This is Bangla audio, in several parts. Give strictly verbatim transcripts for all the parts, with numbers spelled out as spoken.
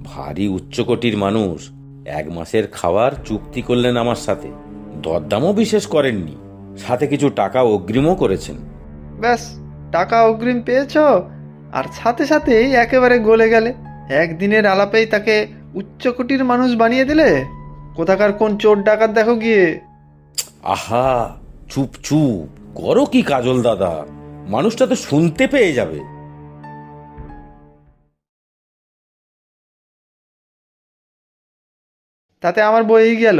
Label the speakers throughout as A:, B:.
A: ভারী উচ্চকোটির মানুষ, এক মাসের খাওয়ার চুক্তি করলেন আমার সাথে, দরদামও বিশেষ করেননি, সাথে কিছু টাকা অগ্রিমও করেছেন।
B: ব্যাস, টাকা অগ্রিম পেয়েছো আর সাথে সাথেই একেবারে গলে গেলে। একদিনের আলাপেই তাকে উচ্চকোটির মানুষ বানিয়ে দিলে। কোথাকার কোন চোর ডাকাত দেখো গিয়ে।
A: আহা, চুপ চুপ করো কি কাজল দাদা, মানুষটা তো শুনতে পেয়ে যাবে।
B: তাতে আমার বই গেল।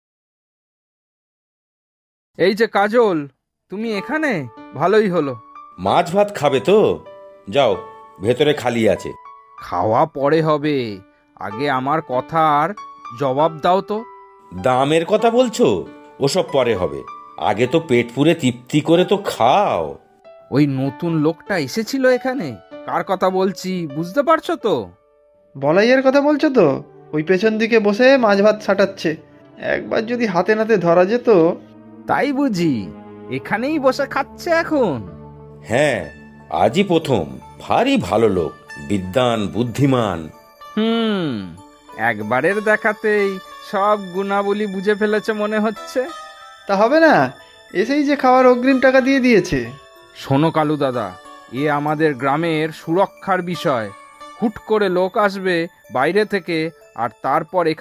C: এই যে কাজল, তুমি এখানে? ভালোই হলো।
A: মাছ ভাত খাবে তো? যাও, ভেতরে খালি আছে।
C: খাওয়া পরে হবে, আগে আমার কথার জবাব দাও তো।
A: দামের কথা বলছো? ওসব পরে হবে, আগে তো পেট পুরে তৃপ্তি করে তো খাও।
C: ওই নতুন লোকটা এসেছিল এখানে, কার কথা বলছি বুঝতে পারছো তো?
B: বলাইয়ের কথা বলছো তো? ওই পেছন দিকে বসে মাছ ভাত ছাটাচ্ছে। একবার যদি হাতে নাতে ধরা যেত।
C: তাই বুঝি এখানেই বসে খাচ্ছে এখন?
A: হ্যাঁ, আজই প্রথম। ভারী ভালো লোক, বিদ্বান, বুদ্ধিমান।
C: হুম, একবারের দেখাতেই সব গুণাবলী বুঝে ফেলেছে মনে হচ্ছে।
B: তা হবে না, এসেই যে খাওয়ার অগ্রিম টাকা দিয়ে দিয়েছে।
C: শোনো কালু দাদা, এ আমাদের গ্রামের সুরক্ষার বিষয়। হুট করে লোক আসবে বাইরে থেকে, আর তারপর